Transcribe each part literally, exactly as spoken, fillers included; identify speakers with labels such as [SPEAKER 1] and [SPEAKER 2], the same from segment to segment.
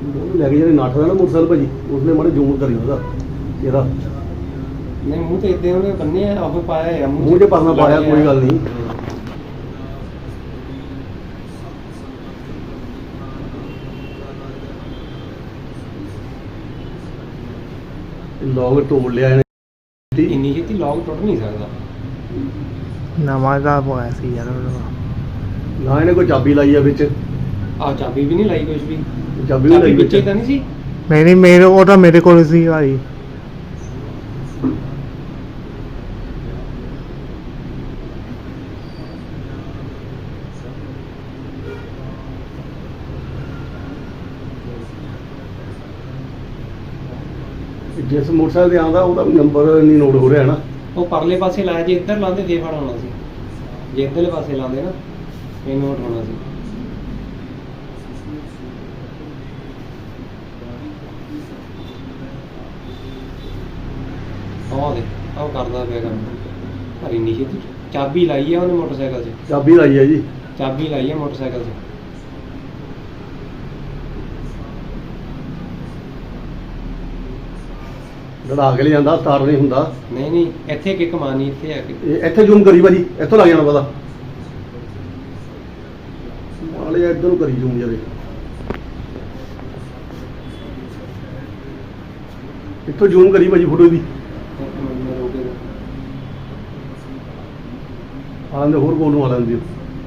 [SPEAKER 1] ਉਹਨੂੰ ਲੈ ਕੇ ਜਿਹੜੇ ਨੱਠ ਦਾ ਨਾ ਮੋਟਰਸਾਈਕਲ ਭਾਜੀ ਉਸਨੇ ਮਾੜੇ ਜ਼ੂਮ ਕਰੀ ਉਹਦਾ ਇਹਦਾ
[SPEAKER 2] ਨਹੀਂ ਮੂੰਹ ਤੇ ਇਦਾਂ ਉਹਨੇ ਬੰਨੇ ਆ ਉਹ ਪਾਇਆ ਆ
[SPEAKER 1] ਮੂੰਹ 'ਚ ਪਰਨਾ ਪਾਇਆ ਕੋਈ ਗੱਲ ਨਹੀਂ। ਲੋਕ ਤੋੜ ਲਿਆ ਇਹਨੇ
[SPEAKER 2] ਇੰਨੀ ਛੇਤੀ ਲੌਕ ਟੁੱਟ ਨਹੀਂ ਸਕਦਾ।
[SPEAKER 3] ਨਵਾਂ ਦਾ ਪਾਇਆ ਸੀ ਯਾਰ
[SPEAKER 1] ਨਾ ਇਹਨੇ ਕੋਈ ਚਾਬੀ ਲਾਈ ਆ ਵਿੱਚ
[SPEAKER 2] ਆ ਚਾਬੀ ਵੀ ਨਹੀਂ ਲਾਈ ਕੁਝ ਵੀ
[SPEAKER 1] ਚਾਬੀ ਵੀ
[SPEAKER 2] ਚਾਬੀ
[SPEAKER 1] ਲਾਈ
[SPEAKER 2] ਵਿੱਚੇ
[SPEAKER 1] ਵਿੱਚ
[SPEAKER 2] ਤਾਂ ਨਹੀਂ ਸੀ।
[SPEAKER 3] ਨਹੀਂ ਨਹੀਂ ਮੇਰੇ ਉਹ ਤਾਂ ਮੇਰੇ ਕੋਲ ਸੀ ਭਾਈ।
[SPEAKER 1] ਜਿਸ ਮੋਟਰਸਾਈਕਲ ਤੇ ਆਉਂਦਾ ਉਹਦਾ ਨੰਬਰ ਨਹੀਂ ਨੋਟ ਹੋ ਰਿਹਾ ਨਾ।
[SPEAKER 2] ਉਹ ਪਰਲੇ ਪਾਸੇ ਲਾਇਆ ਜੇ ਇੱਧਰ ਲਾਉਂਦੇ ਦੇ ਫੜ ਹੋਣਾ ਸੀ। ਜੇ ਇੱਧਰਲੇ ਪਾਸੇ ਲਾਉਂਦੇ ਨਾ ਇਹ ਨੋਟ ਹੋਣਾ ਸੀ। ਆਹ ਦੇ ਆਹ ਕਰਦਾ ਪਿਆ ਕੰਮ ਪਰ ਇੰਨੀ ਛੇਤੀ ਚਾਬੀ ਲਾਈ ਆ ਉਹਨੇ ਮੋਟਰਸਾਈਕਲ 'ਚ
[SPEAKER 1] ਚਾਬੀ ਲਾਈ ਆ ਜੀ
[SPEAKER 2] ਚਾਬੀ ਲਾਈ ਆ ਮੋਟਰਸਾਈਕਲ 'ਚ।
[SPEAKER 1] ਲੜਾ ਕੇ ਲੈ ਜਾਂਦਾ ਸਟਾਰਟ ਨਹੀਂ ਹੁੰਦਾ।
[SPEAKER 2] ਨਹੀਂ ਨਹੀਂ ਇੱਥੇ ਕਿੱਕ ਮਾਰਨੀ ਇੱਥੇ ਆ ਕੇ
[SPEAKER 1] ਇਹ ਇੱਥੇ ਜ਼ੂਮ ਕਰੀ ਭਾਜੀ ਇੱਥੋਂ ਲੱਗ ਜਾਣਾ ਪਤਾ ਨਾਲੇ ਇੱਧਰ ਨੂੰ ਕਰੀ ਜ਼ੂਮ ਜਾਵੇ ਇੱਥੋਂ ਜ਼ੂਮ ਕਰੀ ਭਾਜੀ ਫੋਟੋ ਦੀ ਆਂਦੇ ਹੋਰ ਕੋਲ ਨੂੰ ਆ ਲੈਂਦੀ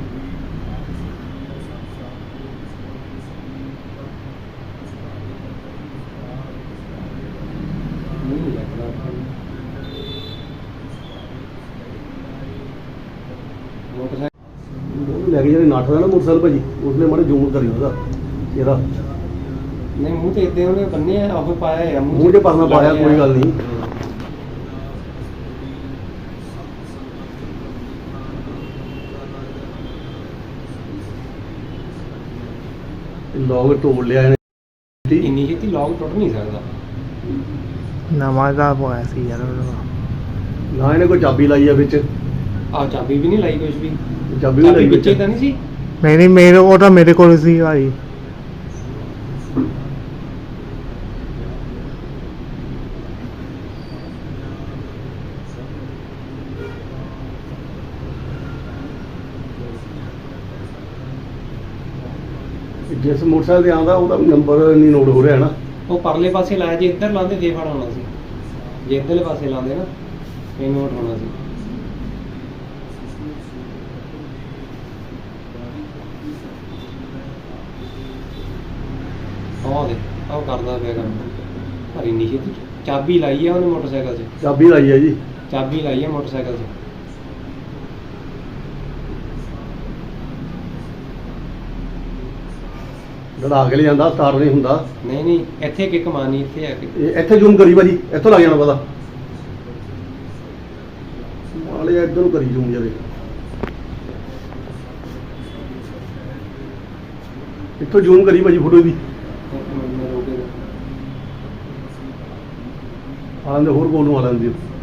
[SPEAKER 1] ਉਹਨੂੰ ਲੈ ਕੇ ਜਿਹੜੇ ਨੱਠ ਦਾ ਨਾ ਮੋਟਰਸਾਈਕਲ ਭਾਜੀ ਉਸਨੇ ਮਾੜੇ ਜ਼ੂਮ ਕਰੀ ਉਹਦਾ ਇਹਦਾ
[SPEAKER 2] ਨਹੀਂ ਮੂੰਹ ਤੇ ਇਦਾਂ ਉਹਨੇ ਬੰਨੇ ਆ ਉਹ ਪਾਇਆ ਆ
[SPEAKER 1] ਮੂੰਹ 'ਚ ਪਰਨਾ ਪਾਇਆ ਕੋਈ ਗੱਲ ਨਹੀਂ। ਲੋਕ ਤੋੜ ਲਿਆ ਇਹਨੇ
[SPEAKER 2] ਇੰਨੀ ਛੇਤੀ ਲੌਕ ਟੁੱਟ ਨਹੀਂ ਸਕਦਾ।
[SPEAKER 3] ਨਵਾਂ ਦਾ ਪਾਇਆ ਸੀ ਯਾਰ
[SPEAKER 1] ਨਾ ਇਹਨੇ ਕੋਈ ਚਾਬੀ ਲਾਈ ਆ ਵਿੱਚ
[SPEAKER 2] ਆ ਚਾਬੀ ਵੀ ਨਹੀਂ ਲਾਈ ਕੁਝ ਵੀ
[SPEAKER 1] ਚਾਬੀ ਵੀ
[SPEAKER 2] ਚਾਬੀ
[SPEAKER 1] ਲਾਈ
[SPEAKER 2] ਵਿੱਚੇ
[SPEAKER 1] ਵਿੱਚ
[SPEAKER 2] ਤਾਂ ਨਹੀਂ ਸੀ।
[SPEAKER 3] ਨਹੀਂ ਨਹੀਂ ਮੇਰੇ ਉਹ ਤਾਂ ਮੇਰੇ ਕੋਲ ਸੀ ਭਾਈ।
[SPEAKER 1] ਜਿਸ ਮੋਟਰਸਾਈਕਲ ਤੇ ਆਉਂਦਾ ਉਹਦਾ ਨੰਬਰ ਨਹੀਂ ਨੋਟ ਹੋ ਰਿਹਾ ਨਾ।
[SPEAKER 2] ਉਹ ਪਰਲੇ ਪਾਸੇ ਲਾਇਆ ਜੇ ਇੱਧਰ ਲਾਉਂਦੇ ਦੇ ਫੜ ਹੋਣਾ ਸੀ। ਜੇ ਇੱਧਰਲੇ ਪਾਸੇ ਲਾਉਂਦੇ ਨਾ ਇਹ ਨੋਟ ਹੋਣਾ ਸੀ। ਆਹ ਦੇ ਆਹ ਕਰਦਾ ਪਿਆ ਕੰਮ ਪਰ ਇੰਨੀ ਛੇਤੀ ਚਾਬੀ ਲਾਈ ਆ ਉਹਨੇ ਮੋਟਰਸਾਈਕਲ 'ਚ
[SPEAKER 1] ਚਾਬੀ ਲਾਈ ਆ ਜੀ
[SPEAKER 2] ਚਾਬੀ ਲਾਈ ਆ ਮੋਟਰਸਾਈਕਲ 'ਚ।
[SPEAKER 1] ਲੜਾ ਕੇ ਲੈ ਜਾਂਦਾ ਸਟਾਰਟ ਨਹੀਂ ਹੁੰਦਾ।
[SPEAKER 2] ਨਹੀਂ ਨਹੀਂ ਇੱਥੇ ਕਿੱਕ ਮਾਰਨੀ ਇੱਥੇ ਆ ਕੇ
[SPEAKER 1] ਇਹ ਇੱਥੇ ਜ਼ੂਮ ਕਰੀ ਭਾਜੀ ਇੱਥੋਂ ਲੱਗ ਜਾਣਾ ਪਤਾ ਨਾਲੇ ਇੱਧਰ ਨੂੰ ਕਰੀ ਜ਼ੂਮ ਜਾਵੇ ਇੱਥੋਂ ਜ਼ੂਮ ਕਰੀ ਭਾਜੀ ਫੋਟੋ ਦੀ ਆਂਦੇ ਹੋਰ ਕੋਲ ਨੂੰ ਆ ਲੈਂਦੀ